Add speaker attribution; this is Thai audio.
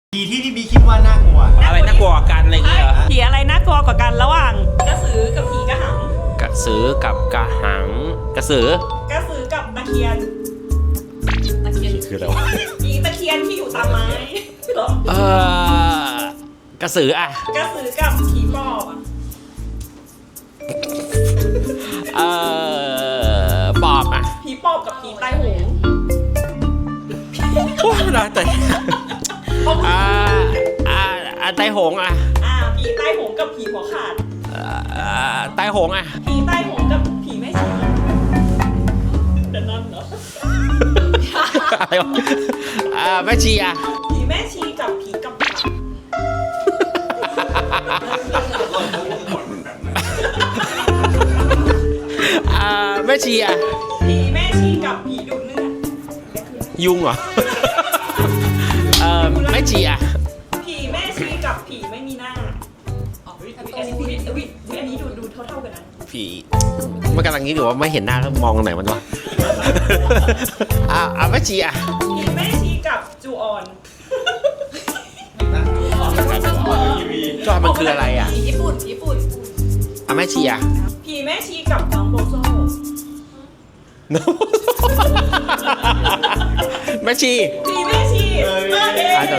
Speaker 1: ผีที่พี่บีคิดว่าน่ากลัว
Speaker 2: อะไรน่ากลัวกว่ากันอะไรอย่างเงี้ยเหรอ
Speaker 3: ผีอะไรน่ากลัวกว่ากันระหว่างกระสือกับผีกระหัง
Speaker 2: กระสือกับกระหังกระสือก
Speaker 3: ระสือกับตะเคียนตะเคียน
Speaker 2: คืออะไรวะ
Speaker 3: ผีตะเคียนที่อยู่ตามไม้เหรอก
Speaker 2: ระสืออะ
Speaker 3: กระสือกับผีปอบอะ
Speaker 2: ปอบอะ
Speaker 3: ผีปอบกับผีตายโหง
Speaker 2: โอ้ยนะแต่ไตหงอะ
Speaker 3: ผีตายโหงกับผีหัวขาด
Speaker 2: ไตหงอะ
Speaker 3: ผีตายโหงกับผีแม่ชีเดี๋ยวนั่นเหรอ
Speaker 2: อะไรวะแม่ชีอะ
Speaker 3: ผีแม่ชีกับผีกับผัก
Speaker 2: แม่ชีอะ
Speaker 3: ผีแม่ชีกับผีดูดเลือด
Speaker 2: ยุงเหรอแม่ชีอะ
Speaker 3: ผีแม่ชีกับผีไม่มีหน้าอันนี้ดูเท่ากันนะ
Speaker 2: ผีมันกำลังคิดอยู่ว่าไม่เห็นหน้าแล้วมองตรงไหนมันวะแม่ชีอะ
Speaker 3: ผีแม่ชีกับจูออน
Speaker 2: จอมันคืออะไรอะ
Speaker 3: ผีญี่ปุ่น
Speaker 2: แม่ชีอะ
Speaker 3: ผีแม่ชีกับน้องโบโซ
Speaker 2: แม่ชี
Speaker 3: ผีแม่ชี
Speaker 2: จ